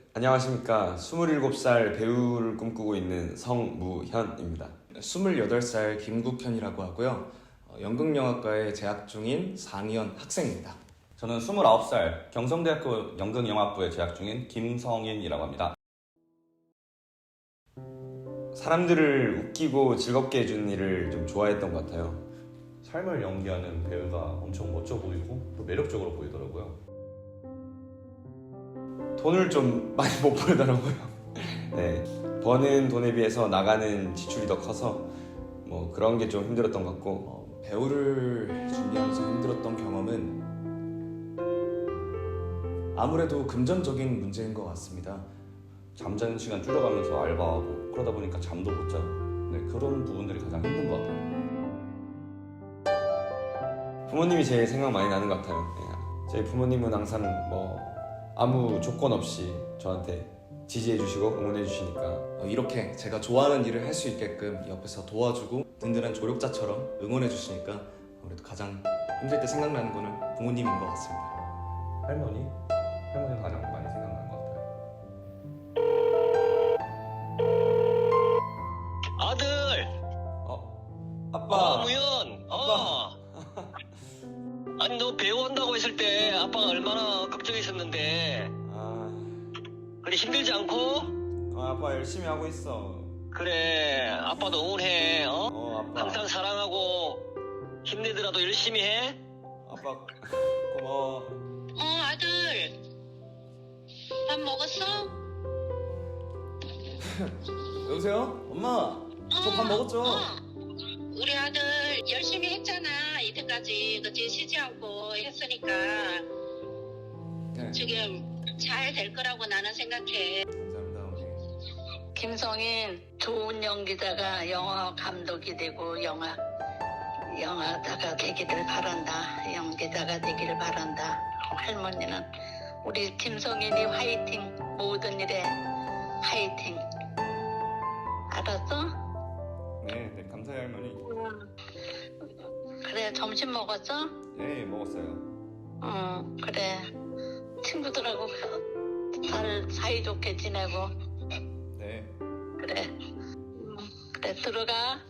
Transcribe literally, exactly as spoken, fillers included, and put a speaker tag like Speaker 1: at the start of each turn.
Speaker 1: 안녕하십니까. 스물일곱 살 배우를 꿈꾸고 있는 성무현입니다.
Speaker 2: 스물여덟 살 김국현이라고 하고요. 어, 연극영화과에 재학 중인 사 학년 학생입니다.
Speaker 3: 저는 스물아홉 살 경성대학교 연극영화부에 재학 중인 김성인이라고 합니다.
Speaker 1: 사람들을 웃기고 즐겁게 해주는 일을 좀 좋아했던 것 같아요.
Speaker 3: 삶을 연기하는 배우가 엄청 멋져 보이고 또 매력적으로 보이더라고요.
Speaker 1: 돈을 좀 많이 못 벌더라고요. 네, 버는 돈에 비해서 나가는 지출이 더 커서 뭐 그런 게 좀 힘들었던 것 같고
Speaker 2: 어, 배우를 준비하면서 힘들었던 경험은 아무래도 금전적인 문제인 것 같습니다.
Speaker 3: 잠자는 시간 줄여가면서 알바하고 그러다 보니까 잠도 못 자고 네, 그런 부분들이 가장 힘든 것 같아요.
Speaker 1: 부모님이 제일 생각 많이 나는 것 같아요. 네, 저희 부모님은 항상 뭐 아무 조건 없이 저한테 지지해 주시고 응원해 주시니까
Speaker 2: 어, 이렇게 제가 좋아하는 일을 할 수 있게끔 옆에서 도와주고 든든한 조력자처럼 응원해 주시니까 아무래도 가장 힘들 때 생각나는 거는 부모님인 것 같습니다.
Speaker 3: 할머니? 할머니가 가장 많이 생각나는 것 같아요.
Speaker 4: 아들!
Speaker 1: 어? 아빠!
Speaker 4: 어, 무연! 어! 아니, 너 배우 한다고 했을 때 아빠가 얼마나 걱정했었는데.
Speaker 1: 아,
Speaker 4: 그래, 힘들지 않고?
Speaker 1: 어, 아빠 열심히 하고 있어.
Speaker 4: 그래, 아빠도 응원해, 어?
Speaker 1: 어, 아빠.
Speaker 4: 항상 사랑하고, 힘내더라도 열심히 해?
Speaker 1: 아빠 고마워.
Speaker 5: 어, 아들. 밥 먹었어?
Speaker 1: 여보세요? 엄마! 저 밥 먹었죠?
Speaker 5: 어. 우리 아들 열심히 했잖아. 이때까지 그치 쉬지 않고 했으니까
Speaker 1: 네.
Speaker 5: 지금 잘 될 거라고 나는 생각해.
Speaker 1: 감사합니다, 어머니.
Speaker 6: 김성인 좋은 연기자가 영화 감독이 되고 영화 영화자가 되기를 바란다. 연기자가 되기를 바란다. 할머니는 우리 김성인이 화이팅. 모든 일에 화이팅. 알았어?
Speaker 1: 네, 네, 감사해요, 할머니.
Speaker 6: 그래, 점심 먹었어?
Speaker 1: 네, 먹었어요.
Speaker 6: 응, 그래. 친구들하고 잘 사이좋게 지내고.
Speaker 1: 네.
Speaker 6: 그래. 음, 그래, 들어가.